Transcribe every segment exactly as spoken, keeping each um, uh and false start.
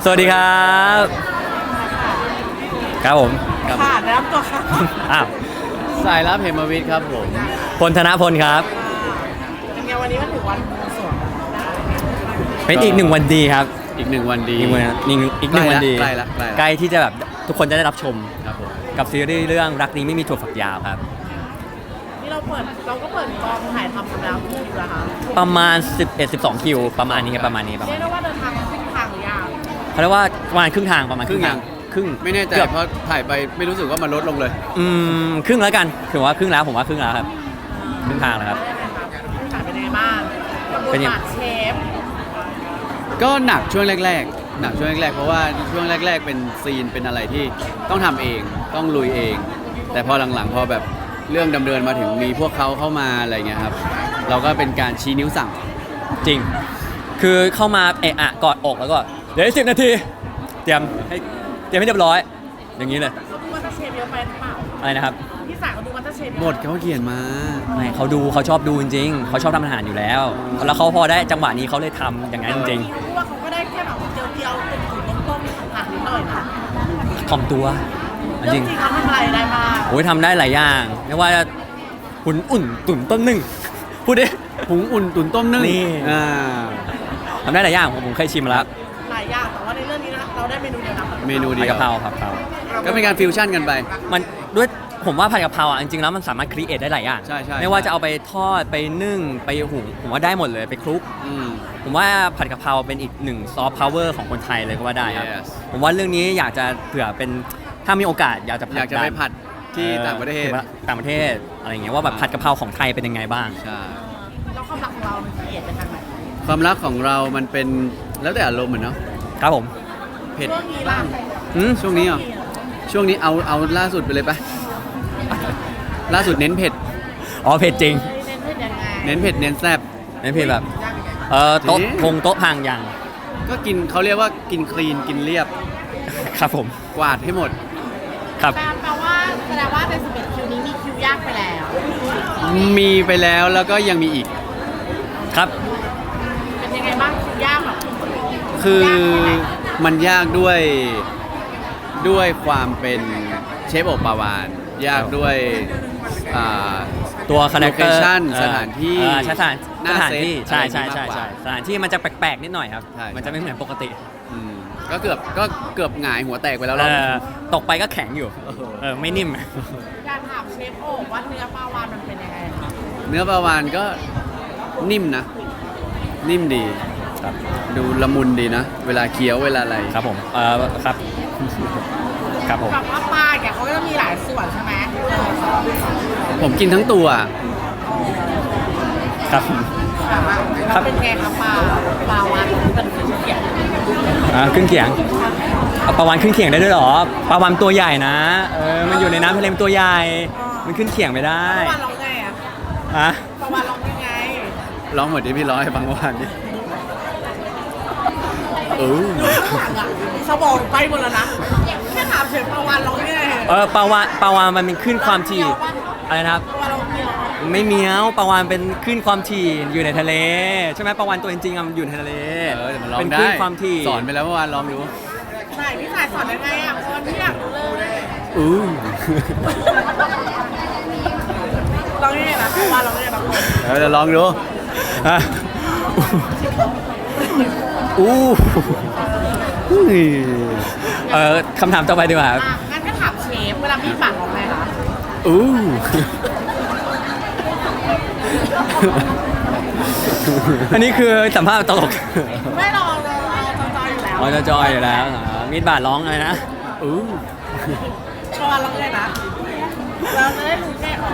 สวัสดีครับครับผมครับค่ะแนะนำตัวค่ะอ้าวสายรับเหมวิทย์ครับผมพลธนพลครับเป็นไงวันนี้มันถึงวันบวงสรวงเป็นอีกหนึ่งวันดีครับอีกหนึ่งวันดีอีกหนึ่งวันอีกหนึ่งอีกหนึ่งวันดีใกล้ละใกล้ละใกล้ที่จะแบบทุกคนจะได้รับชมครับผมกับซีรีส์เรื่องรักนี้ไม่มีถั่วฝักยาวครับนี่เราเปิดเราก็เปิดกองถ่ายทำสัปดาห์คู่อยู่แล้วค่ะประมาณ สิบเอ็ด สิบสอง คิวประมาณนี้ครับประมาณนี้ประมาเรีณยกได้ว่าเดินทางมาครึ่งทางหรือยังเขาเรียกว่าประมาณครึ่งทางประมาณครึ่งยังครึ่งไม่แน่ใจกือบเพราะถ่ายไปไม่รู้สึกว่ามันลดลงเลยอืมครึ่งแล้วกันถือว่าครึ่งแล้วผมว่าครึ่งแล้วครับครึ่งทางแล้วครับได้ไหมคะครึ่งทางเป็นยังไงบ้างกับบเป็นทยังบาทเชฟก็หนักช่วงแรกๆ หนักช่วงแรกๆ เพราะว่าช่วงแรก ๆ เป็นซีนเป็นอะไรที่ต้องทำเองต้องลุยเอง แต่พอหลังๆพอแบบเรื่องดำเนินมาถึงมีพวกเขาเข้ามาอะไรเงี้ยครับเราก็เป็นการชี้นิ้วสั่งจริง คือเข้ามาเอะอะกอดอกแล้วก็เดี๋ยวสิบนาที เตรียมให้เตรียมให้เรียบร้อย อย่างนี้เลยเขาดูมัตเตอร์เชฟเยอะไปหรือเปล่าอะไรนะครับพี่สายเขาดูมัตเตอร์เชฟเยอะหมดเขาเขียนมาไม่เขาดูเขาชอบดูจริงๆเขาชอบทำอาหารอยู่แล้ว แล้วเขาพอได้จังหวะนี้เขาเลยทำอย่างนั้นจริงเขาพูดว่าเขาก็ได้แค่แบบเจียวๆเป็นถุงต้มๆผ่านนิดหน่อยนะๆถ่อมตัวเรื่องจจริริงงเขาทำอะไรได้บ้างโอ้ยทำได้หลายอย่างไม่ว่าจะหุ่นอุ่นตุ่นต้มนึ่งพูดดิหุงอุ่นตุ๋นต้มนึ่งนี่อ่าทำได้หลายอย่างผมผมเคยชิมมาแล้วหลายอย่างแต่ว่าในเรื่องนี้นะเราได้เมนูเดียวนะเมนูผัดเดียกะวเพราผัดกะเพราก็เป็นการฟิวชั่นกันไปมันด้วยผมว่าผัดกะเพราอ่ะจริงๆแล้วมันสามารถครีเอทได้หลายอย่างใช่ใช่ไม่ว่าจะเอาไปทอดไปนึ่งไปหุงผมว่าได้หมดเลยไปคลุกอืมผมว่าผัดกะเพราเป็นอีกหนึ่งซอฟต์พาวเวอร์ของคนไทยเลยก็ว่าได้ครับ Yes ผมว่าเรื่องนี้อยากจะเผื่อเป็นถ้ามีโอกาสอยากจะผอยากจะไปผัดที่ออต่างประเทศต่างประเทศอะไรอย่างเงี้ยว่าแบบผัดกะเพราของไทยเป็นยังไงบ้างใช่แล้วความรักของเรามันละเอียดไปทางไหนความรักของเรามันเป็นแล้วแต่อารมณ์เหมือนเนาะครับผมเผ็ดเรื่องนี้ล่ะอืมช่วงนี้เหรอช่วงนี้เอาเอาล่าสุดไปเลยปะล่าสุดเน้นเผ็ดอ๋อเผ็ดจริงเน้นเพื่อนยังไงเน้นเผ็ดเน้นแซ่บเน้นเผ็ดแบบยากยังไงเออโต๊ะจริงพงโต๊ะพังยังก็กินเขาเรียกว่ากินคลีนกินเรียบครับผมกวาดให้หมดครับแปลว่าแสดงว่าในสิบเอ็ดคิวนี้มีคิวยากไปแล้วมีไปแล้วแล้วก็ยังมีอีกครับเป็นยังไงบ้างคิวยากแบบคือยากแค่ไหนมันยากด้วยด้วยความเป็นเชฟโอปาวาน ยากด้วยอ่าตัวคาแรคเตอร์ Location สถานที่สถานหน้าสถานเซตที่ใช่ใช่อะไรอย่างนี้ใช่มากกว่าใช่สถานที่มันจะแปลกๆนิดหน่อยครับใช่มันจะไม่เหมือนปกติอืมก็เกือบก็เกือบหงายหัวแตกไปแล้วเอเราอตกไปก็แข็งอยู่เออเออไม่นิ่มอยากถามเชฟโอ๊คว่าเนื้อปลาวานมันเป็นยังไงคะเนื้อปลาวานก็นิ่มนะ นิ่มดีครับดูละมุนดีนะ เวลาเคี้ยวเวลาอะไรครับผมเออครับ ครับผมแบบว่าปลาเนี่ยเขาก็จะมีหลายส่วนใช่ไหมเออผมกินทั้งตัวครับแบบว่าแล้วเป็นไงคะปลาปลาวานที่เป็นเครื่องเคียงอ่าขึ้นเขียงเอาปลาวานขึ้นเขียงได้ด้วยเหรอปลาวานตัวใหญ่นะเออมันอยู่ในน้ำทะเลมันตัวใหญ่มันขึ้นเขียงไม่ได้ปลาวานร้องไงอะอะปลาวานร้องยังไงร้องเหมือนที่พี่ร้องให้ฟังเมื่อวานนี่เออข้างหลังอะสมองไปหมดแล้วนะแค่ถามเฉยปลาวานร้องยังไงเออปลาวานปลาวานมันเป็นขึ้นความถี่อะไรนะครับปลาวานร้องเมียวไม่เมี้ยวปลาวานเป็นขึ้นความถี่อยู่ในทะเลใช่ไหมปลาวานตัวจริงๆอะมันอยู่ในทะเลเออแต่มันร้องเป็นได้ขึ้นความถี่สอนไปแล้วเมื่อวานลองดูไหนพี่สายสอนยังไงอ่ะเพราะว่าพี่อยากรู้เลยอู้ร้องยังไงนะปลาวานร้องยังไงบางคนเออเดี๋ยวลองดูอ่ะอู้อู้เออคำถามต่อไปดีกว่าครับอ่ะงั้นก็ถามเชฟเวลามีดบาดร้องไงคะอู้อันนี้คือสัมภาษณ์ตลกไม่ลองเลยเอาจอยๆอยู่แล้วอ๋อจะจอยอยู่แล้วอ่ามีดบาดร้องอะไรนะอู้ปลาวานร้องยังไงนะเราจะได้รู้แค่ออก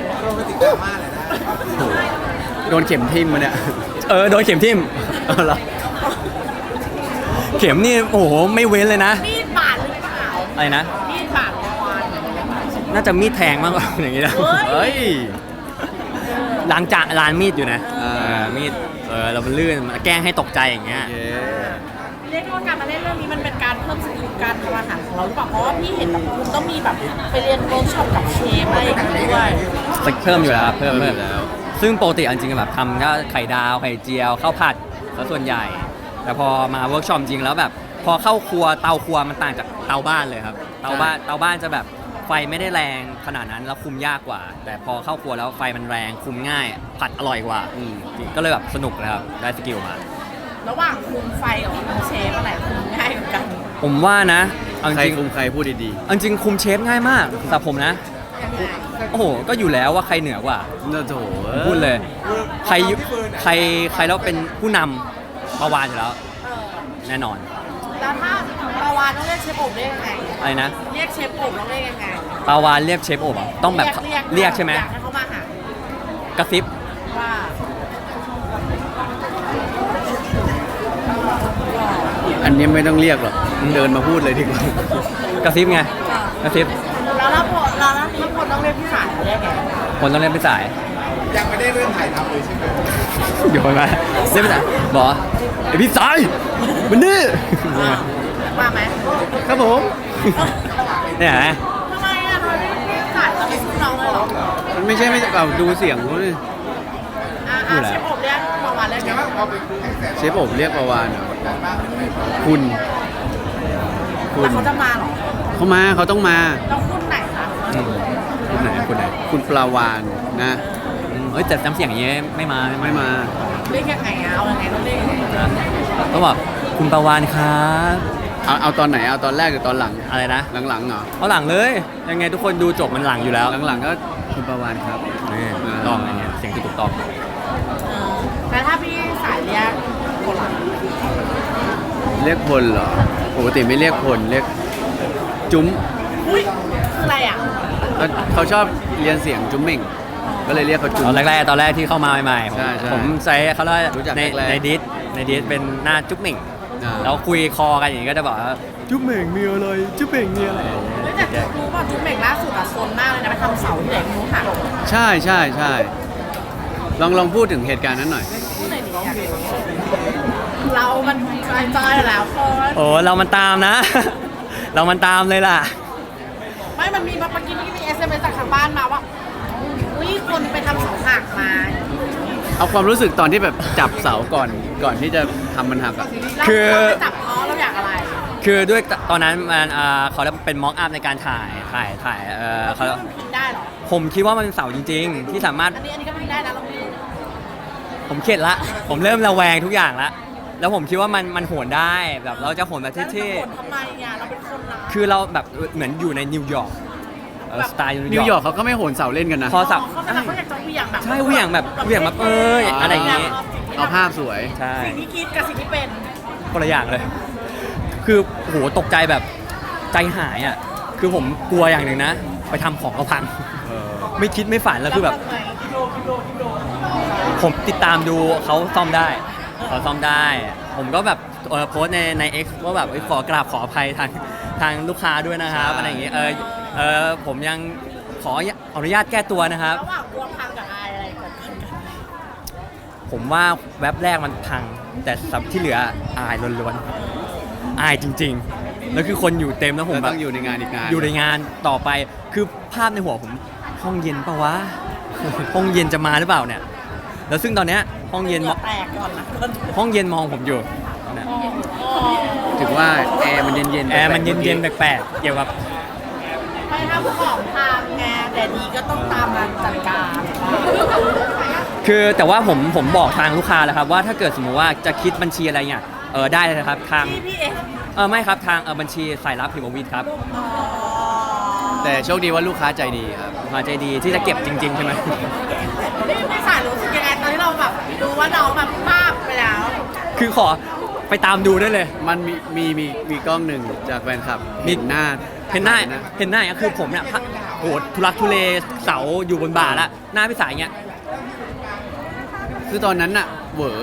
โดนเข็มทิ่มมาเนี่ยเออโดนเข็มทิ่มเอาเหรอเข็มนี่โอ้โหไม่เว้นเลยนะมีดบาดหรือเปล่าอะไรนะมีดบาดปลาวานน่าจะมีดแทงมากกว่า อย่างนี้นะเฮ้ยเฮ้ยล้างจานร้านมีดอยู่นะอ่าเออมีดเออเรามันลื่นมันแกล้งให้ตกใจอย่างเงี้ยเย้เรียกได้ว่าการมาเล่นเรื่องนี้มันเป็นการเพิ่มสกิลการทำอาหารของเราหรือเปล่าเพราะว่าพี่เห็นแบบคุณต้องมีแบบไปเรียนเวิร์กช็อปกับเชฟอะไรอย่างเงี้ยด้วยเพิ่มอยู่แล้วครับเพิ่มเพิ่เพิ่มมอยู่แล้วซึ่งปกติอันจริงๆแบบทำก็ไข่ดาวไข่เจียวข้าวผัดซะส่วนใหญ่ แต่พอมาเวิร์กช็อปจริงแล้วแบบพอเข้าครัวเตาครัวมันต่างจากเตาบ้านเลยครับเตาบ้านเตาบ้านจะแบบไฟไม่ได้แรงขนาดนั้นแล้วคุมยากกว่า แต่พอเข้าครัวแล้วไฟมันแรงคุมง่าย ผัดอร่อยกว่าอืมก็เลยแบบสนุกเลยครับได้สกิลมาระหว่างคุมไฟกับคุมเชฟอะไรคุมง่ายกว่ากันผมว่านะเอาจใครริงคุมใครพูดดีเอาจริงคุมเชฟง่ายมากสำหรับผมนะยังไงโอ้โหก็อยู่แล้วว่าใครเหนือกว่าๆน่าโถพูดเลย ใครอยู่ใครใครแล้วเป็นผู้นำประวานอยู่แล้วเออแน่นอนแล้วถ้าปลาวานต้องเรียกเชฟโอบได้ยังไงอะไรนะเรียกเชฟโอบต้องเรียกยังไงปาวานเรียกเชฟโอบอะต้องแบบเรียกใช่ไหมอยากให้เขามาหากระซิบว่าอันนี้ไม่ต้องเรียกหรอกเดินมาพูดเลยดีกว่ากระซิบไงกระซิบแล้วถ้าพอแล้วถ้าคนต้องเรียกพี่สายเรียกไงคนต้องเล่นเป็นสายยังไม่ได้เริ่มถ่ายทำเลยใช่ไหมโยนมาเล่นเป็นสายบอกไอพี่สายมันนี่มาไหมครับผมเนี่ยนะทำไมอ่ะทำไมพี่สายต้องเป็นพี่น้องเลยเหรอมันไม่ใช่ไม่เอาดูเสียงเขาดิอ่าเชฟโอบเรียกปลาวานเรียกไงพอเป็นคู่แข่งเชฟโอบเรียกประวานเหรอคุณคุแล้วณเขาจะมาเหรอเขามาเขาต้องมาแล้วคุณไหนคะอืมคุณไหนคุณไหนคุณปลาวานนะอืมเอ้ยแต่น้ำเสียงอย่างเงี้ยไม่มาไม่มาเรียกยังไงอ่ะเอายังไงต้องเรียกยังไงต้องบอกคุณประวานครับเอาเอาตอนไหนเอาตอนแรกหรือตอนหลังอะไรนะหลังๆเหรอเอาหลังเลย ยังไงทุกคนดูจบมันหลังอยู่แล้วหลังๆก็คุณปลาวานครับนี่ถูกต้องอย่างเงี้ยเสียงที่ถูกต้องเออแต่ถ้าพี่สายเรียกคนหลังเรียกพลเหรอปกติไม่เรียกพลเรียกจุ้มอุ้ยคืออะไรอ่ะเขาเขาชอบเรียนเสียงจุ้มเหม่งก็เลยเรียกเขาจุ้มตอนแรกๆตอนแรกที่เข้ามาใหม่ๆผมใช่ใช่ผมใช้เขาเรียกรู้จักในแรกๆในดิสในดิสเป็นหน้าจุ๊บเหม่งอ่าแล้วคุยคอกันอย่างนี้ก็จะบอกว่าจุ๊บเหม่งมีอะไรจุ๊บเหม่งมีอะไรเฮ้ยแต่รู้ป่ะจุ๊บเม่งล่าสุดอะโซนมากเลยนะไปทำเสาที่ไหนไม่รู้หักใช่ใช่ใช่ลองลองพูดถึงเหตุการณ์นั้นหน่อยพูดหน่อยดิอยากรู้เรามันจอยๆแล้วคนโอ้เรามันตามนะ เรามันตามเลยล่ะไม่มันมีเมื่อกี้นี่มีเอสเอ็มเอสจากทางบ้านมาว่าอุ้ยคนไปทำเสาหักมาเอาความรู้สึกตอนที่แบบจับเสาก่อนก่อนที่จะทำมันหักอะเราคือเราไปจับเพราะเราอยากอะไรคือด้วยตอนนั้นมันอ่าเขาเรียกเป็นม็อกอัพในการถ่ายถ่ายถ่ายเออเราเขาคิดว่ามันพิมพ์ได้เหรอผมคิดว่ามันเป็นเสาจริง ๆ ที่สามารถอันนี้อันนี้ก็พิมพ์ได้นะเราไม่รู้ผมเข็ดละ ผมเริ่มระแวงทุกอย่างละแล้วผมคิดว่ามันมันโหนได้แบบเราจะโหนแบบแล้วเท่จะบ่นทำไมอ่ะเราเป็นคนนะๆคือเราแบบเหมือนอยู่ในนิวยอร์กเออสไตล์นินิววย ยออร์ร์กกเขาก็ไม่โหนเสาเล่นกันนะพอสับเขาเขาอยากจะเหวี่ยงแบบใช่เหวี่ยงแบบเหวี่ยงแบบเอ้ยอะไรอย่างงี้เอาภาพสวยใช่สิ่งที่คิดกับสิ่งที่เป็นคนละอย่างเลย คือโหตกใจแบบใจหายอ่ะคือผมกลัวอย่างหนึ่งนะ ไปทำของเขาพังเออไม่คิดไม่ฝันแล้วคือแบบล้วทำไมโดนโดนโดนผมติดตามดูเขาซ่อมได้เขาซ่อมได้ ผมก็แบบเอ่อโพสต์ในใน X ว่าแบบเอ้ยขอกราบขออภัยทางทางลูกค้าด้วยนะครับอะไรอย่างเงี้ยเออเออผมยังขออนุญาตแก้ตัวนะครับระหว่างกลัวพังกับอายอะไรเกิดขึ้นกันผมว่าแว็บแรกมันพัง แต่สับที่เหลืออายล้วนๆอายจริงๆ แล้วคือคนอยู่เต็มแล้วผมแล้วแบต้บองอยู่ในงานอีกงานอยู่ในงานต่อไปคือภาพในหัวผมห้องเย็นปะวะ ห้องเย็นจะมาหรือเปล่าเนี่ย แล้วซึ่งตอนเนี้ยห้องเย็นเหมงื่อแตกก่อนนะห้องเย็นมองผมอยู่นะถึงว่าแอร์มันเย็นๆแอร์มันเย็นๆแปลกๆเกี่ยวกับไปทำของทางไงแต่ดีก็ต้องตามมาจัดการคือแต่ว่าผมผมบอกทางลูกค้าแล้วครับว่าถ้าเกิดสมมุติว่าจะคิดบัญชีอะไรเนี่ยเออได้เลยนะครับทางพี่พี่เองเออไม่ครับทางเออบัญชีสายลับพิมพ์วิทย์ครับอ๋อแต่โชคดีว่าลูกค้าใจดีครับลูกค้าใจดีที่จะเก็บจริง ๆ ใช่ไหมพี่พี่สายรู้สึกยังไงตอนที่เราแบบดูว่าน้องแบบภาพไปแล้วคือขอไปตามดูได้เลยมันมีมีมีมีกล้องหนึ่งจากแฟนคลับมีเห็นหน้าเห็นหน้าเห็นหน้าก็คือผมเนี่ยพะโหทุลักทุเลเสาอยู่บนบ่าแล้วหน้าพี่สายเงี้ยคือตอนนั้นน่ะเหวอ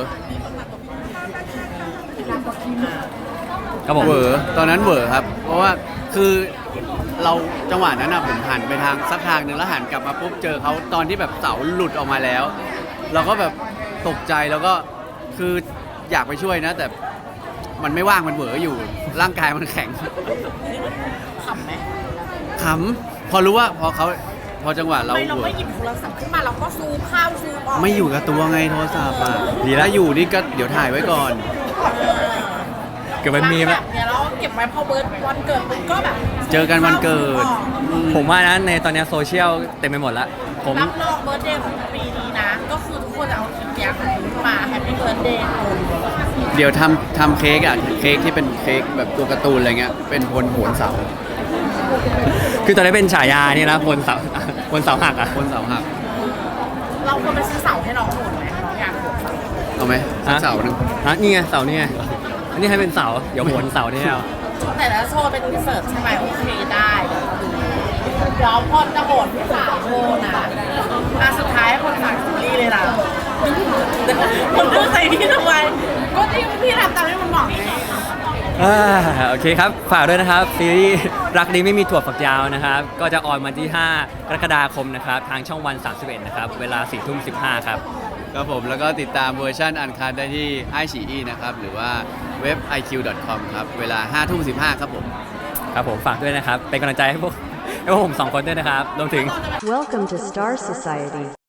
ก็บอกเหวอตอนนั้นเหวอครับ เพราะว่าคือเราจังหวะนั้นน่ะผมหันไปทางสักทางหนึ่งแล้วหันกลับมาปุ๊บเจอเขาตอนที่แบบเสาหลุดออกมาแล้ว เราก็แบบตกใจแล้วก็คืออยากไปช่วยนะ แต่มันไม่ว่างมันเหวออยู่ ร่างกายมันแข็งขำไหมขำพอรู้ว่าพอเขาพอจังหวะเราไม่เราเหวไม่อหยิบโทรศัพท์ขึ้นมาเราก็ซูมเข้าซูมออกไม่อยู่กับตัวไงโทรศัพท์อ่ะดีแล้วอยู่นี่ก็เดี๋ยวถ่ายไว้ก่อนเกิดมันมีแบไหมบเนี้ยเราเก็บไว้พอเบิร์ดวันเกิดปุ๊บก็แบบเจอกันวันเกิดผมว่านะในตอนเนี้ยโซเชียลเต็มไปหมดแล้วผมรับรองเบิร์ดเดย์ของปีนี้นะ ก็คือทุกคนจะเอาคลิปเนี้ยของคุณมาแฮปปี้เบิร์ดเดย์เดี๋ยวทำทำเค้กอ่ะเค้กที่เป็นเค้กแบบตัวการ์ตูนอะไรเงี้ยเป็นพลโหนเสาคือตอนนี้เป็นฉายานี่นะบนเสาบนเสาหักอ่ะพลเสาหักเราควรไปซื้อเสาให้น้องโหนไหมน้องอยากโหนเสาเอาไหมสักเสาหนึ่งฮะนี่ไงเสานี่ไงอันนี้ให้เป็นเสาเดี๋ยวโหนเสานี่เอาแต่ละโชว์เป็นรีเสิร์ชใช่ไหมโอเคได้เดี๋ยวเราดูเดี๋ยวพอจะโหนพี่สาวโชว์นะอ่ะสุดท้ายให้คนฝากซีรีส์เลยล่ะคนพูดใส่พี่ทำไมก็ที่พี่ทำตามที่มันบอกไงอ่าโอเคครับ ฝากด้วยนะครับ ซีรีส์รักดีไม่มีถั่วฝักยาวนะครับ ก็จะออนวันที่ ห้ากรกฎาคมนะครับ ทางช่องวัน สามสิบเอ็ด นะครับ เวลา สี่ทุ่มสิบห้า ครับครับผมแล้วก็ติดตามเวอร์ชันอันคัดได้ที่ไอฉีอีนะครับ หรือว่าเว็บ ไอ คิว ดอท คอม ครับ เวลาห้าทุ่มสิบห้าครับผมครับผมฝากด้วยนะครับ เป็นกำลังใจให้พวกให้พวกผมสองคนด้วยนะครับรวมถึง Welcome to Star Society.